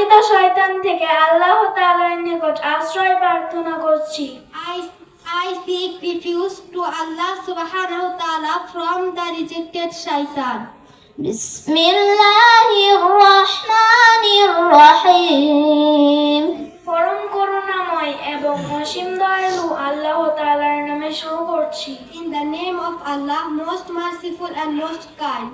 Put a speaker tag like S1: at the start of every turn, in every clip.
S1: ঘৃণিত শয়তান থেকে আল্লাহ তাআলার নিকট আশ্রয় প্রার্থনা করছি।
S2: I seek refuge to Allah subhanahu wa ta'ala from the rejected shaitan.
S3: Bismillahirrahmanirrahim.
S1: পরম করুণাময় এবং অসীম দয়ালু আল্লাহ তাআলার নামে শুরু করছি।
S2: In the name of Allah, most merciful and most kind.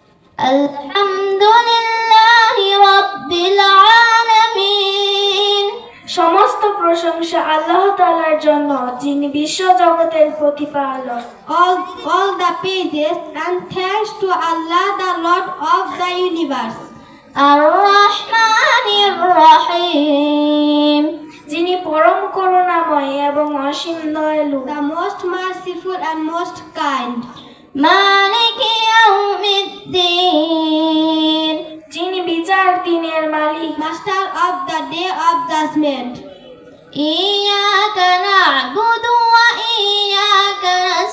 S3: Alhamdulillahi Rabbil Alamin.
S1: সমস্ত প্রশংসা আল্লাহ তাআলার জন্য, যিনি বিশ্ব জগতের প্রতিপালক।
S2: All the praises and thanks to Allah, the Lord of the universe.
S3: Ar-Rahmanir Rahim.
S1: যিনি পরম করুণাময় এবং অসীম দয়ালু।
S2: The most merciful and most kind.
S3: Maliki Yawmiddin.
S1: যিনি বিচার দিনের মালিক।
S2: Master of the day of judgment.
S3: Iyyaka na'budu wa iyyaka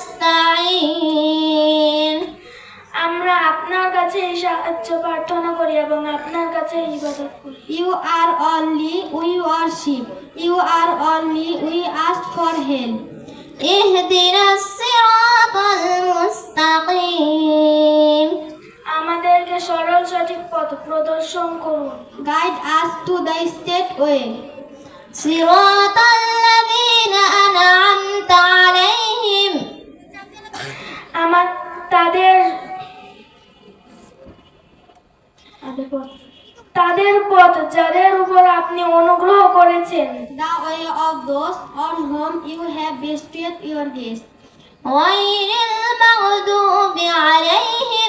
S3: nasta'in.
S1: আমরা আপনার কাছে সাহায্য প্রার্থনা করি এবং আপনার কাছে ইবাদত করি।
S2: You are only we worship. You are only we ask for help.
S3: Ihdinas siratal mustaqim.
S1: আমাদেরকে সরল সঠিক পথ প্রদর্শন করুন।
S2: Guide us to the straight way.
S3: Siratal ladzina an'amta alayhim.
S1: তাদের পথ যাদের উপর আপনি অনুগ্রহ করেছেন।
S2: The way of those on whom you have bestowed your grace.
S3: Ghayril maghdubi alayhim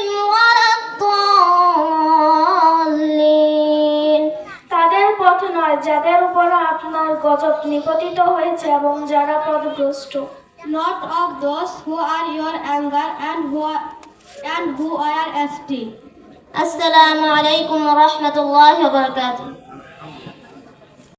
S3: waladdallin.
S1: তাদের পথ নয় যাদের উপর আপনার গজব নিপতিত হয়েছে এবং যারা পথভ্রষ্ট।
S2: Not of those who are your anger and who are astray.
S3: Assalamu alaikum wa rahmatullahi wa barakatuh.